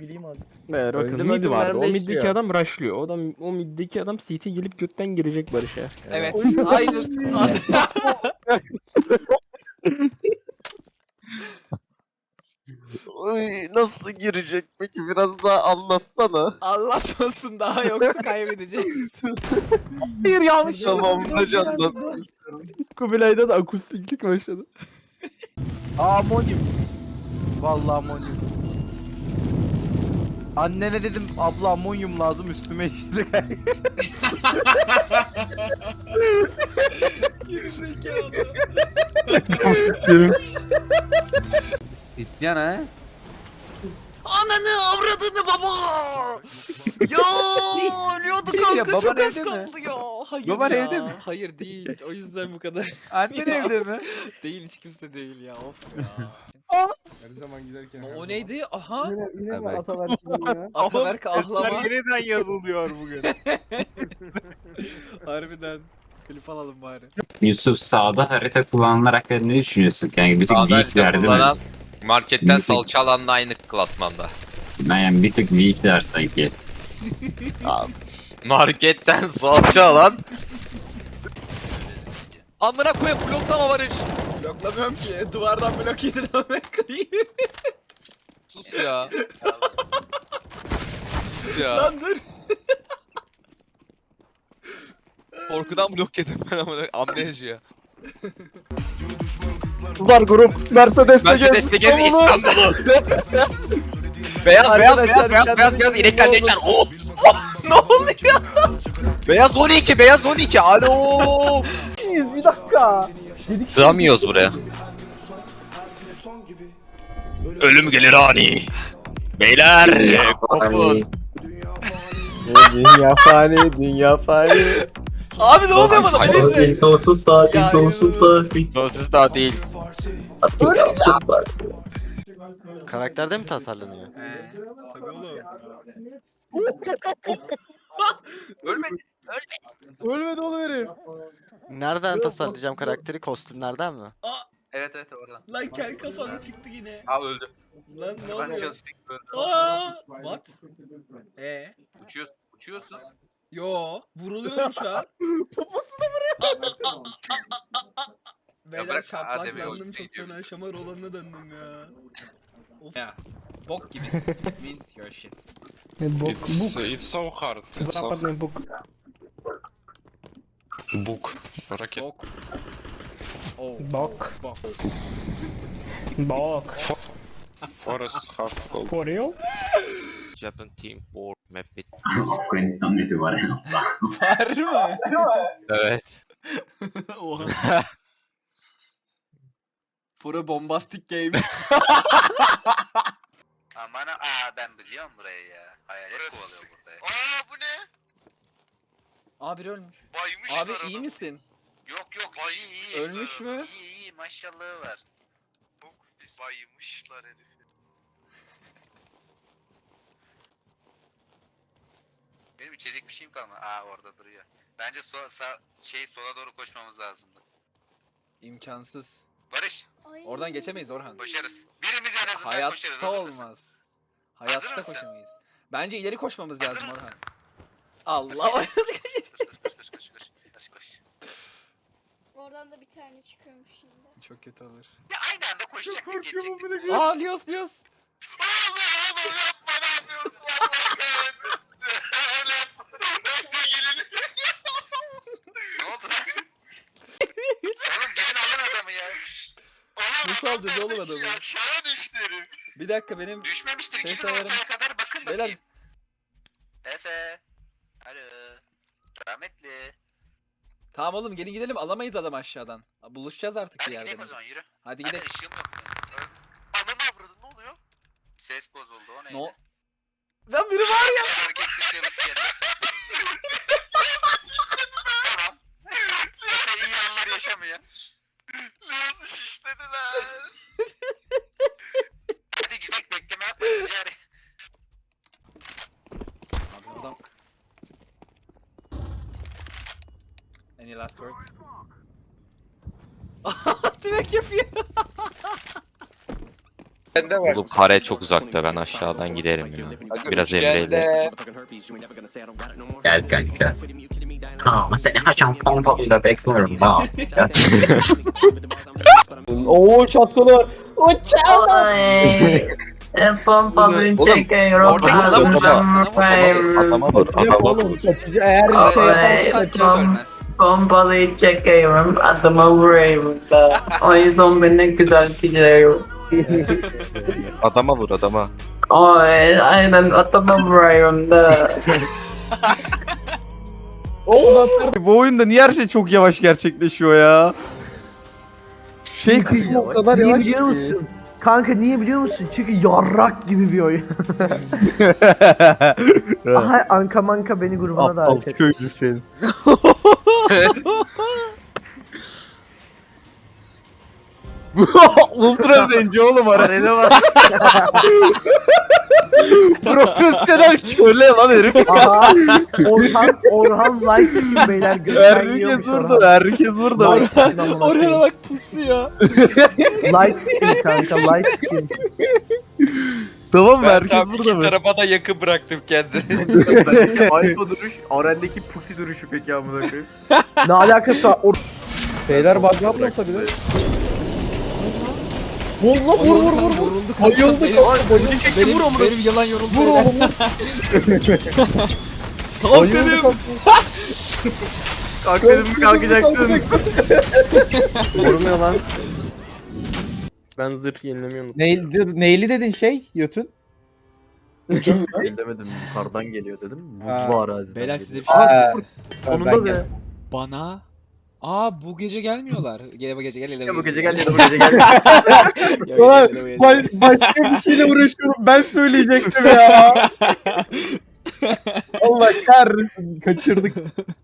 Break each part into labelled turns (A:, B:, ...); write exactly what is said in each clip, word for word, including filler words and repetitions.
A: bileyim abi.
B: Ver bakın
C: Öldüm,
B: mid
C: öldüm,
B: vardı.
C: benim
B: O
C: de
B: middeki
C: işliyor.
B: adam rushlıyor. O adam o middeki adam C T gelip götten girecek Barış'a.
D: Evet. Aynı.
C: Oy, nasıl girecek peki? Biraz daha anlatsana.
D: Anlatmasın daha yoksa kaybedeceğiz.
B: Hayır yanlış.
C: Tamam, hadi anlat.
B: Kubilay'da da akustiklik başladı.
A: Amonyum. Vallahi amonyum. Annene dedim abla amonyum lazım üstüme işedi.
E: İsyan ha?
D: Ananı avradını baba. Ya ölüyordu
E: Bir şey diyeceğim,
D: kanka çok
E: baban
D: az
E: evde mi?
D: kaldı ya. Hayır
E: Baban
D: ya.
E: evde mi?
D: Hayır değil. O yüzden bu kadar.
E: Annen
D: Ya.
E: evde mi?
D: Değil hiç kimse değil ya. Of ya.
F: Her zaman giderken. her
D: o
F: zaman.
D: neydi? Aha.
C: Yine, yine mi
E: Evet.
C: Ataberk'in ya?
D: Ataberk ahlama.
B: yeniden yazılıyor bugün.
D: Harbiden. Klip alalım bari.
G: Yusuf sağda harita kullananlar hakkında ne düşünüyorsun? Yani bir tık
H: Sağda
G: weakler
H: harita
G: değil mi?
H: kullanan marketten
G: Bir tık-
H: salça alanla aynı klasmanda.
G: Yani bir tık weakler sanki.
H: Marketten salça alan. Amına koyayım bloklama Barış.
D: Bloklamıyorum ki. Duvardan blok yedin ama koyayım.
H: Sus ya. Sus ya.
D: Lan dur.
H: Korkudan blok yedim ben amına amnezya.
B: Var grup. Mercedes
H: Mercedes gez İstanbul'u. Beyaz beyaz beyaz beyaz beyaz beyaz inekler ne içer? Oh! Ne oluyor? Beyaz on iki beyaz on iki. Alo.
C: Bir dakika.
H: Sığamıyoruz buraya. Ölüm gelir ani. Beyler kopun.
C: Dünya fani, dünya fani.
D: Abi ne oluyor bana? Neyse.
G: Sonsuz
D: Ya,
G: tatil, sonsuz tatil.
H: Sonsuz daha değil.
C: Karakterde mi tasarlanıyor?
D: Tabii oğlum.
H: Ölmedi.
B: Ölmedi oğlum herif.
C: Nereden tasarlayacağım karakteri? Kostümlerden mi?
H: Evet evet oradan.
D: Lan kel kafam çıktı yine.
H: Ha öldü.
D: Lan ne
H: Ben
D: oluyor?
H: çalıştık öldü.
D: Aa! What? E?
H: Uçuyorsun. Uçuyorsun.
D: Yo, vuruluyorum şu an.
B: Poposuna vuruyor.
D: Beyler
H: bırak, hadi be,
D: şaplaklandım
H: oyuna
D: çok
H: gidiyorum.
D: fena şamar olanına döndüm ya. Of. Ya. Bok gibisin. Means your shit.
B: Bok.
F: It's, it's so hard. It's so
B: Западный бук.
F: book. Rocket.
D: Bok. Oh.
B: Bok.
D: Bok.
B: Bok.
F: Forest half gold.
B: For real?
H: Japan team war map bit.
G: Afganistan nefi var ya.
D: Var mı?
H: Evet.
D: Oha. For a bombastic game.
H: Aman aa ben biliyorum burayı ya. Hayalet kovalıyor burada. Aa bu ne?
D: Aa biri ölmüş.
H: Baymış
D: Abi iyi misin?
H: Yok yok ay iyi iyi.
D: Ölmüş mü?
H: İyi iyi maşallahı var. Çok baymışlar herifi. Benim içecek bir şeyim kalmadı. Aa orada duruyor. Bence so sağ, şey sola doğru koşmamız lazımdı.
D: İmkansız.
H: Barış
D: Oradan geçemeyiz Orhan.
H: koşarız. Birimiz en azından koşarız.
D: Hayatta
H: Hazır mısın?
D: olmaz. Hayatta
H: mısın?
D: koşamayız. Bence ileri koşmamız
H: Hazır
D: lazım
H: mısın?
D: Orhan. Allah.
H: Koş koş koş koş koş koş koş.
I: Oradan da bir tane çıkıyormuş şimdi.
D: Çok kötü olur.
H: Ya aynı anda koşacaktık geçecektik.
D: Aa Lios Lios.
H: Oğlum oğlum yapma ne yapıyorsun? Allah kahretsin. Öyle yapma. Gelin. Ne oldu lan? Oğlum gelin alın adamı ya. Oğlum,
D: Nasıl
H: adam
D: alacağız oğlum
H: ölmüş
D: adamı?
H: ya, Aşağı düştü herif.
D: Bir dakika benim
H: Düşmemiştir.
D: Ses
H: Gidin
D: ayarım.
H: ortaya kadar bakın
D: Beyler-
H: bakayım. Efe. Alo. Rahmetli.
D: Tamam oğlum gelin gidelim alamayız adam aşağıdan. Buluşacağız artık bir
H: Hadi
D: yerde.
H: gidelim o
D: biz.
H: zaman yürü.
D: Hadi
H: Hadi
D: gidelim.
H: ışığım yok. Ananı avradın ne oluyor? Ses bozuldu o neydi?
D: No. Lan biri var ya.
H: Erkeksiz çığlık geldi. Tamam. Efe iyi anlar yaşamıyor. Nasıl şişlediler? Hadi gidelim bekleme yapma ticari.
D: Abi adam. Any last words? Tümek yapıyor.
E: Oğlum kare çok uzakta, ben aşağıdan giderim ya. Biraz Emre'yle.
G: Gel kanka. Ama seni haşan pompalıyla bekliyorum. Ha.
B: Oo şapkalı.
G: Pompalıyı
D: Oğlum,
G: çekiyorum.
D: orada sana vuracağım, sana vuracağım.
E: Adama vur, adama vur.
B: Kaçıcı eğer şey
D: Sen
B: yaparsan
D: kimse ölmez.
G: Pompalıyı çekiyorum. Adıma vuruyorum da. O yüzden beni güzel gidiyorum.
E: Adama vur, adama.
G: Oy, aynen adıma vuruyorum da.
A: Bu oyunda niye her şey çok yavaş gerçekleşiyor ya? Şu şey kısmı o kadar
B: Niye
A: yavaş
B: biliyor
A: ki.
B: musun? Kanka niye biliyor musun? Çünkü yarrak gibi bir oyun. Aha Anka Manka beni grubuna
A: Aptal
B: davet etti.
A: köylü seni. Ultra zenci oğlum arena var. Profesyonel köle lan herif.
B: Aha Orhan, Orhan light skin beyler. gökten yiyormuş
A: Herkes burada, herkes burada.
B: Light skin amına
D: Oraya
B: koyayım.
D: bak pusu ya.
B: Light skin kanka light skin.
A: Tamam mı? Herkes burada mı?
F: tarafa da yakın bıraktım kendimi.
J: Alfa duruş, Aren'deki pusi duruşu peki amına koyayım.
B: Ne alakası var? Or
A: Beyler bak yapmasa bile. Vur lan vur vur vur vur.
D: Yoruldu kanka.
A: Bayıldı
D: Benim,
A: kanka bayıldı.
D: benim, benim yalan yoruldu.
A: Vur oğlum vur.
D: Kalk
A: Bayıldı
D: dedim.
A: kanka.
J: Kalk dedim mi kalkacaksın?
B: Vurmuyor lan. Ben zırh yenilemiyorum.
A: Neyli, neyli dedin şey Yötün?
J: Demedim yukarıdan geliyor dedim.
A: Ha.
J: Mutlu araziden
D: Beyler
J: geliyor.
D: size bir şey
A: Aa,
B: Sonunda be.
D: Bana. Aa bu gece gelmiyorlar. Gel bu gece gel.
J: Ya bu gece gel ya da bu gece gel.
A: Ulan baş, başka bir şeyle uğraşıyorum. Ben söyleyecektim ya. Allah kahretsin. Kaçırdık.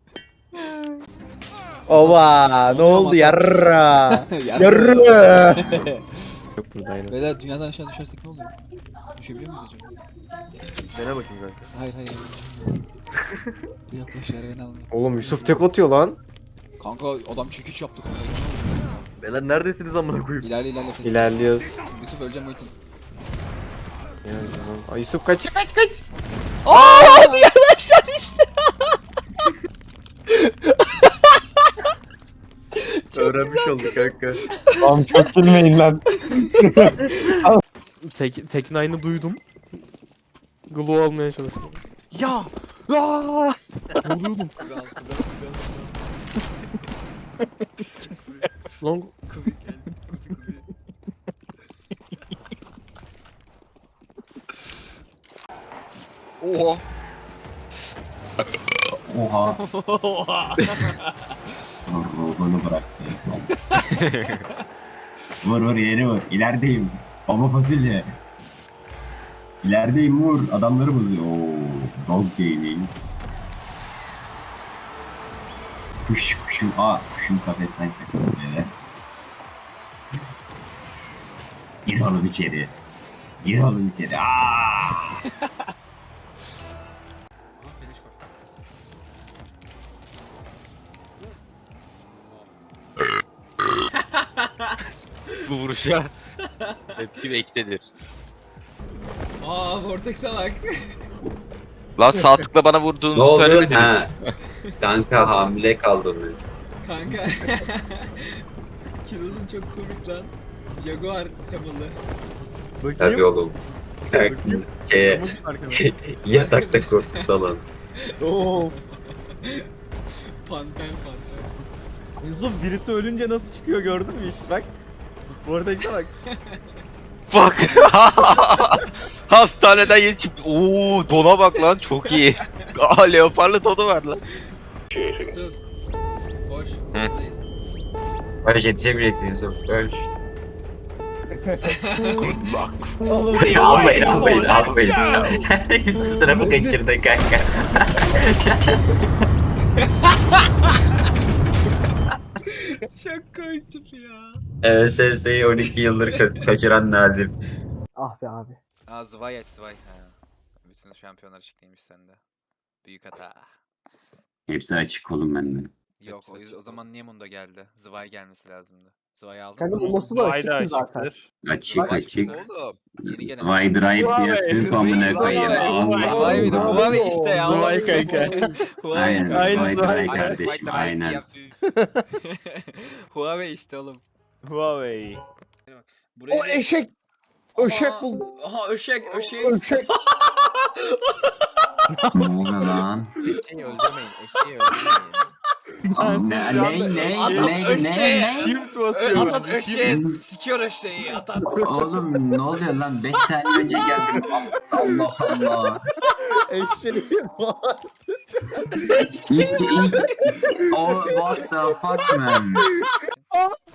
A: Ova ne oldu yarra. Yarra.
D: Beyler dünyadan aşağı düşersek ne oluyor? Düşebiliyor muyuz acaba?
J: Dene bakayım kanka.
D: Hayır hayır. hayır. Yaklaş yere beni almayın.
J: Oğlum Yusuf tek atıyor lan.
D: Kanka adam çekiç yaptı kanka.
J: Beyler neredesiniz amına koyayım?
D: İlerle ilerle. tek.
J: İlerliyoruz.
D: Yusuf öleceğim Muhittin.
J: Ay Yusuf kaç kaç kaç.
D: Aaa dünyadan aşağı düştü.
J: Öğrenmiş olduk kanka.
A: Tamam çok gülmeyin lan.
B: Tek, Teknine'ı duydum. Glow almaya çalışıyorum. Ya! Aaaa! Vuruyordum. Long
D: Oha.
G: Oha. Ruhunu bıraktı. Vur vur yeri vur. İlerideyim. Baba fasulye. İlerideyim vur. Adamları bozuyor. Ooo. Dog gaming. Kuş kuşum. Aa kuşum kafesten kaçtı böyle. Gir oğlum içeri. Gir oğlum içeri. Aaaa.
E: Bu vuruşa tepki beklenir.
D: Aa Vortex'e bak.
E: Lan sağ tıkla bana vurduğunuzu söylemediniz.
G: Kanka hamile kaldım.
D: Kanka. Kilosun çok komik lan. Jaguar temalı.
G: Tabii oğlum. Şeye, yatakta korku salon.
A: Oo.
D: Panter panter.
A: Yusuf birisi ölünce nasıl çıkıyor gördün mü hiç? Bak. Bu arada işte bak.
E: Fuck. Hastaneden yeni çıktı. Oo dona bak lan çok iyi. Aa leoparlı donu var lan.
D: Yusuf. Koş.
E: Hı.
D: Buradayız.
G: Barış yetişebileceksin Yusuf. Barış.
A: Allah'ım.
G: Almayın almayın almayın. Yusuf sınıfı kaçırdı kanka.
D: Çok komik tip ya.
G: Ee, S S'yi on iki yıldır ka- kaçıran Nazım.
B: Ah be abi.
D: Aa Zvay aç Zvay. Ha. Bütün şampiyonlar açıklıymış sende. Büyük hata.
G: Hepsi açık oğlum bende.
D: Yok o, o zaman niye Mundo geldi? Zvay gelmesi lazımdı. Sıvayı aldım.
B: Kendi bulması da açıktı zaten.
K: Açık
D: Bak,
K: açık.
D: Oğlum. Yeni gelen.
K: Vay drive yaptık amına koyayım. Allah
D: Huawei bir de
K: Allah.
D: Huawei işte ya.
B: Huawei kanka.
D: Huawei
K: Aynen.
B: Aynen,
K: Vay
B: Huawei.
K: drive kardeşim. Aynen.
D: Huawei işte oğlum.
B: Huawei.
D: Buraya
B: O eşek. Öşek
D: Aha,
B: buldu.
D: Aha öşek öşek.
B: Öşek.
K: Ne oluyor lan?
E: Eşeği öldürmeyin. Eşeği öldürmeyin.
K: Ne ne ne
D: Adam
K: ne
D: öşeğe.
K: ne ne?
B: Shift
D: Ö-
B: basıyor.
D: Atat öşeğe sikiyor öşeği atat.
K: Oğlum ne oluyor lan? beş saniye önce geldim. Allah Allah.
A: Eşeği var.
K: İlk ilk. Oh what the fuck man?